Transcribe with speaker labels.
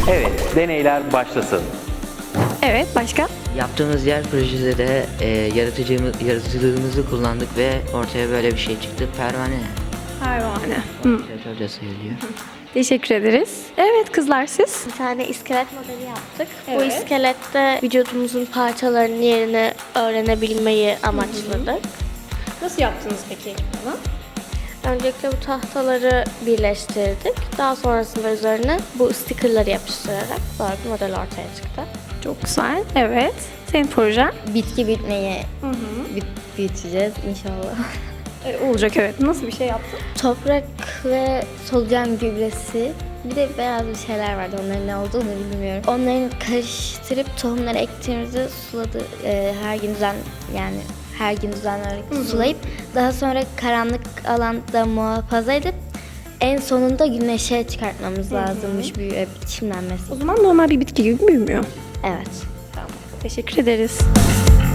Speaker 1: Evet, deneyler başlasın.
Speaker 2: Evet, başka?
Speaker 3: Yaptığımız diğer projede de yaratıcılığımızı kullandık ve ortaya böyle bir şey çıktı. Pervane.
Speaker 2: Pervane.
Speaker 3: Vantilatör de sayılıyor.
Speaker 2: Teşekkür ederiz. Evet kızlar siz?
Speaker 4: Bir tane iskelet modeli yaptık. Bu
Speaker 2: Evet.
Speaker 4: iskelette vücudumuzun parçalarının yerini öğrenebilmeyi amaçladık.
Speaker 2: Nasıl yaptınız peki bunu?
Speaker 4: Öncelikle bu tahtaları birleştirdik. Daha sonrasında üzerine bu stickerları yapıştırarak böyle bir model ortaya çıktı.
Speaker 2: Çok güzel. Evet. Senin projen?
Speaker 5: Bitki bitmeye biteceğiz inşallah.
Speaker 2: Olacak evet. Nasıl bir şey yaptın?
Speaker 5: Toprak ve solucan gübresi. Bir de beyaz bir şeyler vardı. Onların ne olduğunu bilmiyorum. Onları karıştırıp tohumları ektiğimizde her gün düzenli sulayıp daha sonra karanlık alanda muhafaza edip en sonunda güneşe çıkartmamız lazımmış büyüyüp çimlenmesi.
Speaker 2: O zaman normal bir bitki gibi büyümüyor.
Speaker 5: Evet.
Speaker 2: Teşekkür ederiz.